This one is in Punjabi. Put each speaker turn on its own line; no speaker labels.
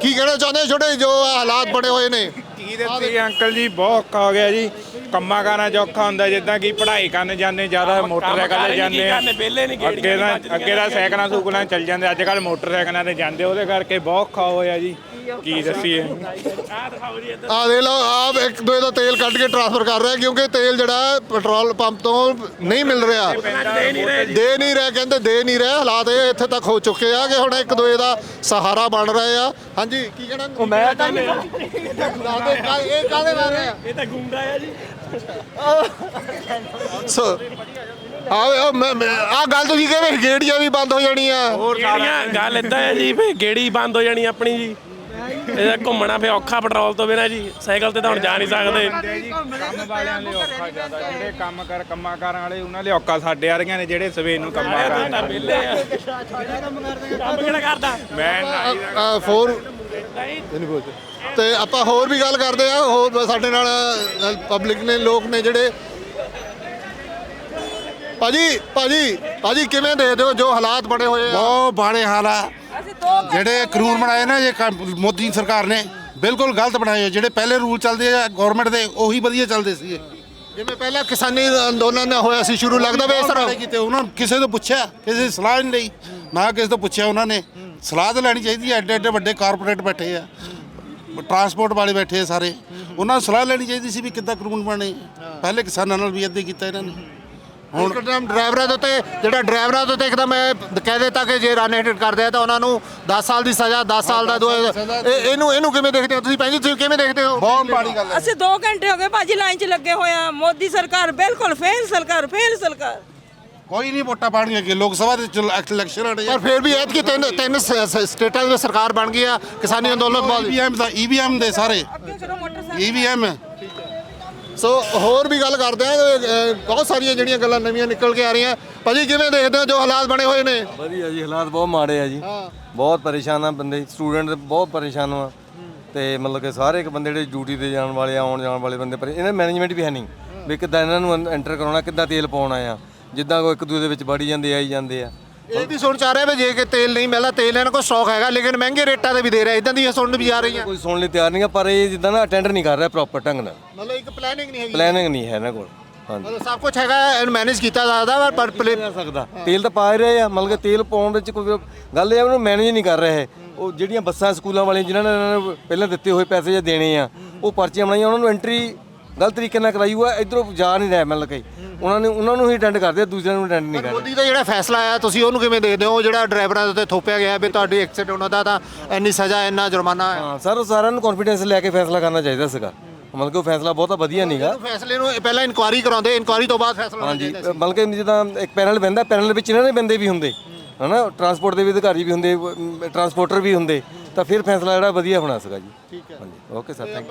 ਕੀ ਕਹਿਣਾ ਚਾਹੁੰਦੇ ਛੋਟੇ ਜੋ ਹਾਲਾਤ ਬਣੇ ਹੋਏ ਨੇ?
ਕੀ ਦੱਸੀ ਅੰਕਲ ਜੀ, ਬਹੁਤ ਔਖਾ ਹੋ ਗਿਆ ਜੀ। ਕੰਮਾਂ ਕਾਰਾਂ 'ਚ ਔਖਾ ਹੁੰਦਾ, ਜਿੱਦਾਂ ਕਿ ਪੜ੍ਹਾਈ ਕਰਨ ਜਾਂਦੇ ਜ਼ਿਆਦਾ ਮੋਟਰਸਾਈਕਲ 'ਤੇ ਜਾਂਦੇ ਆ। ਅੱਗੇ ਦਾ ਸਾਈਕਲਾਂ ਸੂਕਲਾਂ ਚੱਲ ਜਾਂਦੇ, ਅੱਜ ਕੱਲ੍ਹ ਮੋਟਰਸਾਈਕਲਾਂ 'ਤੇ ਜਾਂਦੇ, ਉਹਦੇ ਕਰਕੇ ਬਹੁਤ ਔਖਾ ਹੋਇਆ ਜੀ। ਕੀ ਦੱਸੀਏ।
ਆ ਦੇਖ ਲਓ, ਆਪ ਇੱਕ ਦੂਜੇ ਦਾ ਤੇਲ ਕੱਢ ਕੇ ਟ੍ਰਾਂਸਫਰ ਕਰ ਰਿਹਾ ਕਿਉਂਕਿ ਤੇਲ ਜਿਹੜਾ ਪੈਟਰੋਲ ਪੰਪ ਤੋਂ ਨਹੀਂ ਮਿਲ ਰਿਹਾ, ਦੇ ਨਹੀਂ ਰਿਹਾ, ਕਹਿੰਦੇ ਦੇ ਨਹੀਂ ਰਿਹਾ। ਹਾਲਾਤ ਇਹ ਇੱਥੇ ਤੱਕ ਹੋ ਚੁੱਕੇ ਆ ਕਿ ਹੁਣ ਇੱਕ ਦੂਜੇ ਦਾ ਸਹਾਰਾ ਬਣ ਰਹੇ ਆ। ਹਾਂਜੀ, ਕੀ ਕਹਿਣਾ?
ਮੈਂ ਤਾਂ
ਇਹ ਕਾਹਦੇ ਬਾਰੇ ਆ?
ਇਹ ਤਾਂ ਗੁੰਡਾ ਆ ਜੀ।
ਸੋ ਆ ਗੱਲ ਤੁਸੀਂ ਕਹਿੰਦੇ ਗੇੜੀਆਂ ਵੀ ਬੰਦ ਹੋ ਜਾਣੀਆਂ।
ਗੇੜੀਆਂ ਗੱਲ ਇਦਾਂ ਹੈ ਜੀ, ਫੇ ਗੇੜੀ ਬੰਦ ਹੋ ਜਾਣੀ ਆਪਣੀ ਜੀ। ਇਹਦਾ ਘੁੰਮਣਾ ਫੇ ਔਖਾ ਪੈਟਰੋਲ ਤੋਂ ਬਿਨਾਂ ਜੀ। ਸਾਈਕਲ ਤੇ ਤਾਂ ਹੁਣ ਜਾ ਨਹੀਂ ਸਕਦੇ।
ਕੰਮ ਵਾਲਿਆਂ ਲਈ ਔਖਾ ਜ਼ਿਆਦਾ, ਜਿਹੜੇ ਕੰਮਾਂ ਕਾਰਾਂ ਵਾਲੇ ਉਹਨਾਂ ਲਈ ਔਖਾ। ਸਾਡੇ ਵਰਗਿਆਂ ਨੇ ਜਿਹੜੇ ਸਵੇਰ ਨੂੰ ਕੰਮਾਂ
ਤਾਂ ਵਿਹਲੇ ਆ। ਕੰਮ ਕਿਹੜਾ ਕਰਦਾ
ਮੈਂ
ਫੋਰ ਤੇ ਆਪਾਂ ਹੋਰ ਵੀ ਗੱਲ ਕਰਦੇ ਆ। ਹੋਰ ਸਾਡੇ ਨਾਲ ਪਬਲਿਕ ਨੇ, ਲੋਕ ਨੇ ਜਿਹੜੇ। ਭਾਜੀ ਕਿਵੇਂ ਦੇਖਦੇ ਹੋ ਜੋ ਹਾਲਾਤ ਬਣੇ ਹੋਏ ਆ?
ਬਹੁਤ ਮਾੜੇ ਹਾਲ ਆ। ਜਿਹੜੇ ਕਾਨੂੰਨ ਬਣਾਏ ਨਾ ਇਹ ਮੋਦੀ ਸਰਕਾਰ ਨੇ ਬਿਲਕੁਲ ਗਲਤ ਬਣਾਏ। ਜਿਹੜੇ ਪਹਿਲੇ ਰੂਲ ਚੱਲਦੇ ਆ ਗਵਰਨਮੈਂਟ ਦੇ ਉਹੀ ਵਧੀਆ ਚੱਲਦੇ ਸੀ।
ਜਿਵੇਂ ਪਹਿਲਾਂ ਕਿਸਾਨੀ ਅੰਦੋਲਨ ਹੋਇਆ ਸੀ ਸ਼ੁਰੂ, ਲੱਗਦਾ ਵੀ ਇਸ ਤਰ੍ਹਾਂ
ਕਿਤੇ ਉਹਨਾਂ ਕਿਸੇ ਤੋਂ ਪੁੱਛਿਆ, ਕਿਸੇ ਦੀ ਸਲਾਹ ਨਹੀਂ ਲਈ, ਨਾ ਕਿਸੇ ਤੋਂ ਪੁੱਛਿਆ। ਉਹਨਾਂ ਨੇ ਸਲਾਹ ਤਾਂ ਲੈਣੀ ਚਾਹੀਦੀ ਹੈ। ਐਡੇ ਐਡੇ ਵੱਡੇ ਕਾਰਪੋਰੇਟ ਬੈਠੇ ਆ, ਟਰਾਂਸਪੋਰਟ ਵਾਲੇ ਬੈਠੇ ਆ ਸਾਰੇ, ਉਹਨਾਂ ਨੂੰ ਸਲਾਹ ਲੈਣੀ ਚਾਹੀਦੀ ਸੀ ਵੀ ਕਿੱਦਾਂ ਕਾਨੂੰਨ ਬਣੇ। ਪਹਿਲੇ ਕਿਸਾਨਾਂ ਨਾਲ ਵੀ ਇੱਦਾਂ ਕੀਤਾ ਇਹਨਾਂ ਨੇ।
ਹੁਣ ਡਰਾਈਵਰਾਂ ਦੇ ਉੱਤੇ ਡਰਾਈਵਰਾਂ ਦੇ ਉੱਤੇ ਇੱਕਦਮ ਕਹਿ ਦਿੱਤਾ ਕਿ ਜੇ ਰਨ ਹਿੱਟ ਕਰਦੇ ਆ ਤਾਂ ਉਹਨਾਂ ਨੂੰ 10 ਸਾਲ ਦੀ ਸਜ਼ਾ, 10 ਸਾਲ ਦਾ ਇਹਨੂੰ ਕਿਵੇਂ ਦੇਖਦੇ ਹੋ ਤੁਸੀਂ? ਭੈਣ ਜੀ ਤੁਸੀਂ ਕਿਵੇਂ ਦੇਖਦੇ ਹੋ?
ਬਹੁਤ ਮਾੜੀ ਗੱਲ ਹੈ।
ਅਸੀਂ 2 ਘੰਟੇ ਹੋ ਗਏ ਭਾਜੀ ਲਾਈਨ 'ਚ ਲੱਗੇ ਹੋਏ ਆ। ਮੋਦੀ ਸਰਕਾਰ ਬਿਲਕੁਲ ਫੇਲ ਸਰਕਾਰ।
ਕੋਈ ਨਹੀਂ ਵੋਟਾਂ ਪਾਣਗੇ ਅੱਗੇ ਲੋਕ ਸਭਾ ਦੇ ਇਲੈਕਸ਼ਨ ਆਣੇ।
ਪਰ ਫਿਰ ਵੀ ਐਤਕੀ ਤਿੰਨ ਸਟੇਟਾਂ ਦੀ ਸਰਕਾਰ ਬਣ ਗਈ ਆ ਕਿਸਾਨੀ ਅੰਦੋਲਨ ਤੋਂ ਬਾਅਦ।
EVM ਦੇ ਸਾਰੇ EVM।
ਸੋ ਹੋਰ ਵੀ ਗੱਲ ਕਰਦੇ ਆ। ਬਹੁਤ ਸਾਰੀਆਂ ਜਿਹੜੀਆਂ ਗੱਲਾਂ ਨਵੀਆਂ ਨਿਕਲ ਕੇ ਆ ਰਹੀਆਂ। ਭਾਜੀ ਕਿਵੇਂ ਦੇਖਦੇ ਹੋ ਜੋ ਹਾਲਾਤ ਬਣੇ ਹੋਏ ਨੇ?
ਵਧੀਆ ਜੀ, ਹਾਲਾਤ ਬਹੁਤ ਮਾੜੇ ਆ ਜੀ। ਬਹੁਤ ਪਰੇਸ਼ਾਨ ਆ ਬੰਦੇ, ਸਟੂਡੈਂਟ ਬਹੁਤ ਪਰੇਸ਼ਾਨ ਆ। ਤੇ ਮਤਲਬ ਕਿ ਸਾਰੇ ਇੱਕ ਬੰਦੇ ਜਿਹੜੇ ਡਿਊਟੀ ਤੇ ਜਾਣ ਵਾਲੇ ਆ, ਆਉਣ ਜਾਣ ਵਾਲੇ ਬੰਦੇ ਪਰ ਇਹਨਾਂ ਮੈਨੇਜਮੈਂਟ ਵੀ ਹੈ ਨਹੀਂ ਵੀ ਕਿੱਦਾਂ ਇਹਨਾਂ ਨੂੰ ਐਂਟਰ ਕਰਾਉਣਾ, ਕਿੱਦਾਂ ਤੇਲ ਪਾਉਣਾ ਆ। ਜਿੱਦਾਂ ਕੋਈ ਇੱਕ ਦੂਜੇ ਦੇ ਵਿੱਚ ਵੜੀ ਜਾਂਦੇ ਆਈ ਜਾਂਦੇ ਆ।
ਇਹ ਵੀ ਸੁਣ ਚਾਹ ਰਿਹਾ ਵੀ ਜੇ ਕਿ ਤੇਲ ਨਹੀਂ ਮਿਲਦਾ, ਤੇਲ ਇਹਨਾਂ ਕੋਲ ਸਟਾਕ ਹੈਗਾ ਲੇਕਿਨ ਮਹਿੰਗੇ ਰੇਟਾਂ ਤੇ ਵੀ ਦੇ ਰਿਹਾ, ਇਦਾਂ ਦੀਆਂ ਸੁਣਨ ਵੀ ਆ ਰਹੀਆਂ।
ਕੋਈ ਸੁਣਨ ਲਈ ਤਿਆਰ ਨਹੀਂ ਆ, ਪਰ ਇਹ ਜਿੱਦਾਂ ਨਾ ਅਟੈਂਡ ਨਹੀਂ ਕਰ ਰਿਹਾ ਪ੍ਰੋਪਰ ਢੰਗ ਨਾਲ।
ਮਤਲਬ ਇੱਕ ਪਲੈਨਿੰਗ ਨਹੀਂ ਹੈਗੀ,
ਪਲੈਨਿੰਗ ਨਹੀਂ ਹੈ ਇਹਨਾਂ ਕੋਲ। ਹਾਂਜੀ,
ਮਤਲਬ ਸਭ ਕੁਝ ਹੈਗਾ, ਇਹਨੂੰ ਮੈਨੇਜ ਕੀਤਾ ਜਾਂਦਾ ਪਰ
ਕਰ ਸਕਦਾ। ਤੇਲ ਤਾਂ ਪਾ ਰਹੇ ਆ, ਮਤਲਬ ਕਿ ਤੇਲ ਪਾਉਣ ਵਿੱਚ ਕੋਈ ਗੱਲ ਇਹ ਉਹਨੂੰ ਮੈਨੇਜ ਨਹੀਂ ਕਰ ਰਹੇ। ਉਹ ਜਿਹੜੀਆਂ ਬੱਸਾਂ ਸਕੂਲਾਂ ਵਾਲੀਆਂ ਜਿਨ੍ਹਾਂ ਨੇ ਇਹਨਾਂ ਨੂੰ ਪਹਿਲਾਂ ਦਿੱਤੇ ਹੋਏ ਪੈਸੇ ਜੇ ਦੇਣੇ ਆ, ਉਹ ਪਰਚੀਆਂ ਬਣਾਈਆਂ, ਉਹਨਾਂ ਨੂੰ ਐਂਟਰੀ ਗਲਤ ਤਰੀਕੇ ਨਾਲ ਕਰਾਈ ਹੋਇਆ। ਇੱਧਰੋਂ ਜਾ ਨਹੀਂ ਰਿਹਾ, ਮਤਲਬ ਕਿ ਉਹਨਾਂ ਨੂੰ ਹੀ ਅਟੈਂਡ ਕਰਦੇ ਆ, ਦੂਜਿਆਂ ਨੂੰ ਅਟੈਂਡ ਨਹੀਂ ਕਰਦੇ।
ਮੋਦੀ ਦਾ ਜਿਹੜਾ ਫੈਸਲਾ ਆਇਆ ਤੁਸੀਂ ਉਹਨੂੰ ਕਿਵੇਂ ਦੇਖਦੇ ਹੋ? ਜਿਹੜਾ ਡਰਾਈਵਰਾਂ ਦੇ ਉੱਤੇ ਥੋਪਿਆ ਗਿਆ ਵੀ ਤੁਹਾਡੀ ਐਕਸੀਡੈਂਟ ਉਹਨਾਂ ਦਾ ਤਾਂ ਇੰਨੀ ਸਜ਼ਾ, ਇੰਨਾ ਜੁਰਮਾਨਾ ਹੈ।
ਹਾਂ ਸਰ, ਸਾਰਿਆਂ ਨੂੰ ਕੌਨਫੀਡੈਂਸ ਲੈ ਕੇ ਫੈਸਲਾ ਕਰਨਾ ਚਾਹੀਦਾ ਸੀਗਾ। ਮਤਲਬ ਕਿ ਉਹ ਫੈਸਲਾ ਬਹੁਤਾ ਵਧੀਆ ਨਹੀਂਗਾ।
ਫੈਸਲੇ ਨੂੰ ਪਹਿਲਾਂ ਇਨਕੁਆਇਰੀ ਕਰਾਉਂਦੇ, ਇਨਕੁਆਇਰੀ ਤੋਂ ਬਾਅਦ ਫੈਸਲਾ ਹੋਣਾ ਚਾਹੀਦਾ ਸੀ।
ਮਤਲਬ ਕਿ ਜਿੱਦਾਂ ਇੱਕ ਪੈਨਲ ਬਹਿੰਦਾ, ਪੈਨਲ ਵਿੱਚ ਇਹਨਾਂ ਦੇ ਬੰਦੇ ਵੀ ਹੁੰਦੇ ਹਨਾ, ਟਰਾਂਸਪੋਰਟ ਦੇ ਵੀ ਅਧਿਕਾਰੀ ਵੀ ਹੁੰਦੇ, ਟਰਾਂਸਪੋਰਟਰ ਵੀ ਹੁੰਦੇ, ਤਾਂ ਫਿਰ ਫੈਸਲਾ ਜਿਹੜਾ ਵਧੀਆ ਹੋਣਾ ਸੀਗਾ ਜੀ।
ਠੀਕ ਹੈ,
ਹਾਂਜੀ, ਓਕੇ ਸਰ, ਥੈਂਕ ਯੂ।